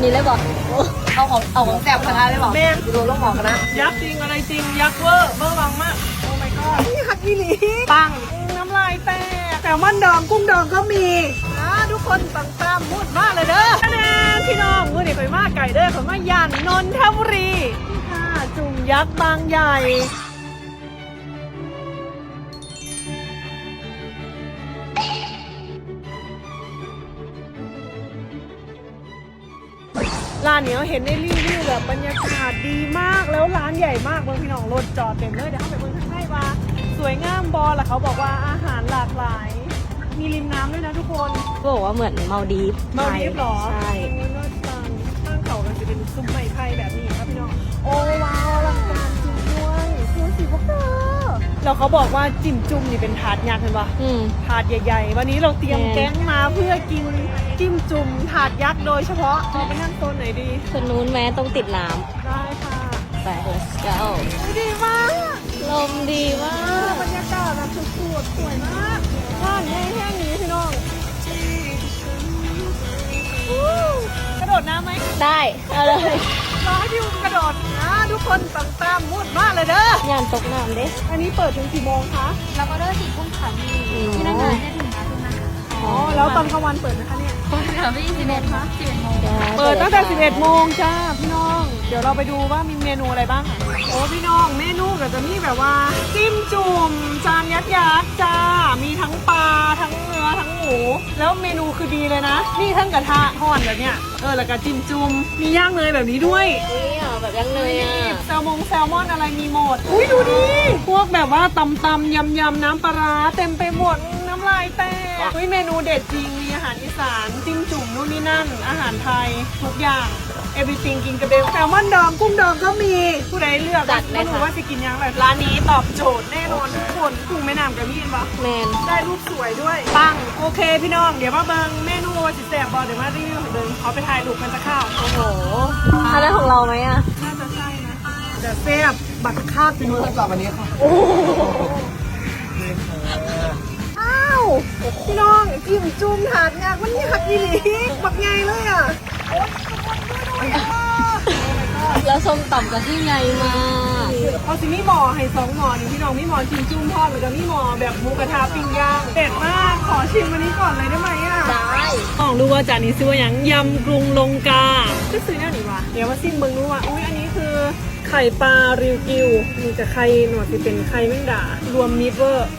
นี้เลยบอกเอาของแสบกระทะเลยบอกแม่ดูลงหมอกนะยักษ์จริงอะไรจริงยักษ์เวอร์วังมากโอ้ my god นี่ฮักอีหลีปังน้ำลายแตกแต่มันดองกุ้งดองก็มีทุกคนปังตามมุดมากเลยเด้อคะแนนพี่น้องมือเด็กไปมากไก่เด้อขอมาย่านนนทบุรีค่ะจุ่มยักษ์บางใหญ่ร้านนี้เห็นในรีวิวแบบบรรยากาศดีมากแล้วร้านใหญ่มากเมืองพี่น้องรถจอดเต็มเลยเดี๋ยวเข้าไปเมืองข้างในว่าสวยงามบอลล่ะเขาบอกว่าอาหารหลากหลายมีริมน้ำด้วยนะทุกคนก็บอกว่าเหมือนมาดีฟหรอใช่นอกจากข้างเขามันจะเป็นซุ้มไม้ไผ่แบบนี้ครับพี่น้องโอ้ว้าวอลังการจริงด้วยดูสิพวกเธอแล้วเขาบอกว่าจิ้มจุ่มนี่เป็นถาดยักษ์เห็นปะถาดใหญ่ๆวันนี้เราเตรียมแก๊งมาเพื่อกินจิ้มจุ่มถาดยักษ์โดยเฉพาะเราไปนั่งโซนไหนดีคนนู้นแม้ต้องติดน้ำได้ค่ะไป let's go ดีมากลมดีมากบรรยากาศแบบสุดๆสวยมากร้านแห้งๆนี้พี่น้องกระโดดน้ำไหมได้เอาเลยรอให้พี่อุ้มกระโดดนะทุกคนตามมุดมากเลยเด้อย่านตกน้ำเด้อันนี้เปิดถึงกี่โมงคะเราก็เลิก4 ทุ่มค่ะที่นั่งงานได้ถึง5 ทุ่มนะคะอ๋อแล้วตอนกลางวันเปิดไหมคะเนี่ยเปิดค่ะพี่11 คะ11 โมงเปิดตั้งแต่11 โมงจ้าพี่น้องเดี๋ยวเราไปดูว่ามีเมนูอะไรบ้างโอ้พี่น้องเมนูก็จะมีแบบว่าจิ้มจุ่มจานยักษ์จ้ามีทั้งปลาทั้งเนื้อทั้งหมูแล้วเมนูคือดีเลยนะนี่ทั้งกระทะทอดแบบเนี้ยแล้วก็จิ้มจุ่มมีย่างเนยแบบนี้ด้วยแบบย่างเนยแซลมอนอะไรมีหมดอุ้ยดูดิพวกแบบว่าตำยำน้ำปลาเต็มไปหมดน้ำลายแตกอุ้ยเมนูเด็ดจริงมีอาหารอีสานจิ้มจุ่มนู่นนี่นั่นอาหารไทยทุกอย่างeverything กินกระเบลแซลมอนดองกุ้งดองก็มีผู้ใดเลือกไม่รู้ว่าจะกินยังไงร้านนี้ตอบโจทย์แน่นอนทุกคนกุ้งแม่น้ำกับมีนปะแมนได้รูปสวยด้วยปังโอเคพี่น้องเดี๋ยวมาเบิงเมนูสิแสบบอลเดี๋ยวมารีวิวของเดิมเขาไปถ่ายรูปกันจะข้าวโอ้โหอะไรของเราไหมอ่ะน่าจะใช่นะแต่แซ่บบัตรข้าวเป็นมื้อสำหรับวันนี้ค่ะโอ้อ้าวพี่น้องจิ้มจุ่มถาดงานวันนี้หักอีหลีบักไงเลยอ่ะแล้วส้มตำกับที่ไงมาเอาสิมีหมอให้2 หมอนี่พี่น้องมีหมอชิมจุ่มทอดแล้วก็มีหมอแบบหมูกระทะปิ้งย่างเด็ดมากขอชิมวันนี้ก่อนเลยได้ไหมอ่ะได้ลองดูว่าจานนี้ซื้อว่าอย่างยำกรุงลงกาก็ซื้อแน่หนิวะเดี๋ยวมาซิมเบิ้งดูว่าอุ้ยอันนี้คือไข่ปลาริวกิวมีแต่ไข่หนวดที่เป็นไข่แมงดารวมมิตรเวอร์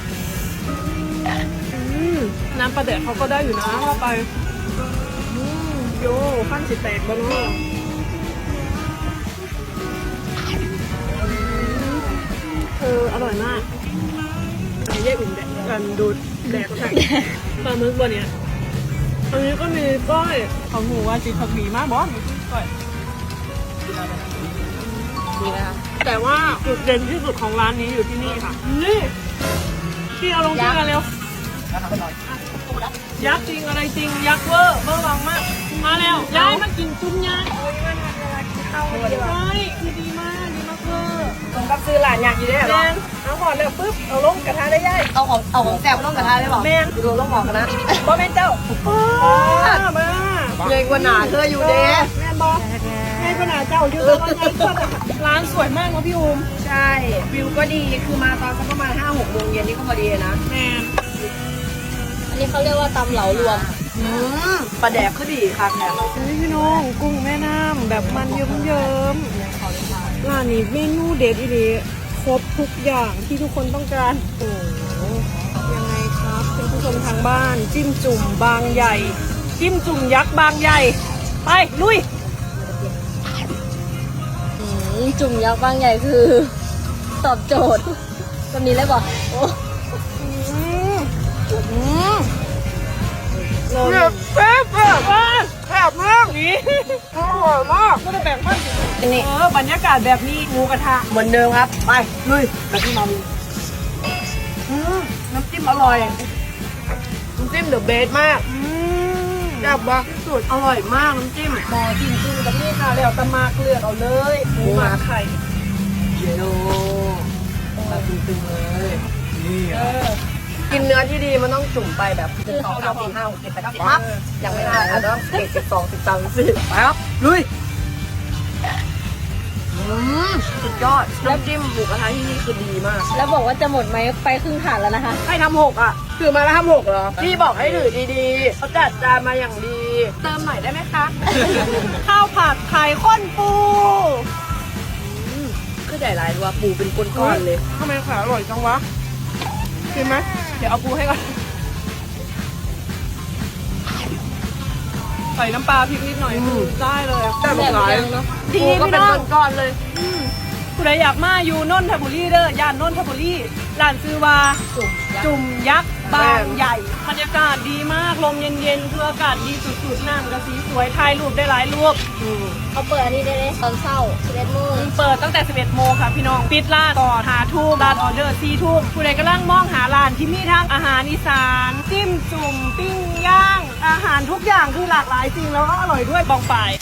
น้ำปลาเดือดเขาก็ได้อยู่นะเข้าไปโย่ขั้นสิแตกบ้างเนาะอร่อยมากอันนี้แยกอุ่นแดกกันดูแดกใช่ปลาหมึกบนเนี้ยอันนี้ก็มีก้อยของหมูว่าจีผักหมี่มากบอสก้อยดีไหมคะแต่ว่าจุดเด่นที่สุดของร้านนี้อยู่ที่นี่ค่ะนี่ที่เอาลงที่กันเร็วยักษ์จริงอะไรจริงยักษ์เวอร์วังมากมาแล้วย้ายมากินจุ่มยักษ์โอ้ยมันเวลากินข้าวเลยใช่คือดีมากเวอร์ผมกับซื้อหลานอยากกินได้หรอเอาหมดเลยปุ๊บเอาลงกระทะได้ย่ายเอาของแสบลงกระทะได้บอกแม่ดูลงหมอกกันนะบ่แม่เจ้ามาใหญ่กว่าหนาเธออยู่เด้แม่บอกแม่กว่าหนาเจ้าอยู่ร้านสวยมากนะพี่อุ้มใช่วิวก็ดีคือมาตอนสักประมาณ5-6 โมงเย็นนี่ก็พอดีนะแม่อันนี้เขาเรียกว่าตำเหลารวมปลาแดกก็ดีค่ะแม่พี่น้องกุ้งแม่น้ำแบบมันเยิ้มร้านนี้เมนูเด็ดอีหลีครบทุกอย่างที่ทุกคนต้องการโอ้ยังไงครับเป็นผู้ชมทางบ้านจิ้มจุ่มบางใหญ่จิ้มจุ่มยักษ์บางใหญ่ไปลุยจุ่มยักษ์บางใหญ่คือตอบโจทย์แบบนี้เลยบอกโอ้แซ่บแซ่บมากนี่อร่อยมากก็จะแบ่งพันนี่บรรยากาศแบบนี้หมูกระทะเหมือนเดิมครับไปลุยแบบที่มาน้ำจิ้มอร่อยน้ำจิ้มเดอะเบสมากแซ่บว่ะสุดอร่อยมากน้ำจิ้มบอจิ้มจุ่มกับนี่ค่ะแล้วตะมาเกลือเอาเลยหมูหมาไข่โยมาตึงๆเลยนี่กินเนื้อที่ดีมันต้องจุ่มไปแบบ1 2 3 4 5 6 7 8 9 10ปั๊บยังไม่ได้อาจจะต้อง11 12 13 14ไปครับลุยสุดยอดน้ำจิ้มหมูกระทะที่นี่คือดีมากแล้วบอกว่าจะหมดไหมไปครึ่งถาดแล้วนะคะให้ทำ6อ่ะถือมาแล้วทำ6เหรอพี่บอกให้ถือดีๆเขาจัดจานมาอย่างดี เติมหน่อยได้ไหมคะข้าวผัดไข่ข้นปูคือใหญ่หลายตัวปูเป็นก้อนๆเลยทำไมขาอร่อยจังวะกินไหมเดี๋ยวเอาปูให้ก่อนใส่น้ำปลาพริกนิดหน่อยได้เลยอะแต่บางหลายเนาะปูก็เป็นก้อนๆเลยผู้ใดอยากมาอยู่นนทบุรีเด้อย่านนนทบุรีร้านซื้อว่า จุ่มยักษ์บางใหญ่บรรยากาศดีมากลมเย็นๆคืออากาศดีสุดๆน้ำกระสีสวยถ่ายรูปได้หลายรูปเขาเปิดอันนี้ได้เลยตอนเช้า11 โมงเปิดตั้งแต่ 11 โมงค่ะพี่น้อง ปิดร้านก่อนหาทุ่มร้านออเดอร์4 ทุ่มผู้ใดกำลังมองหาร้านที่มีทั้งอาหารอีสานจิ้มจุ่มปิ้งย่าง อาหารทุกอย่างคือหลากหลายจริงแล้วก็อร่อยด้วยบองไป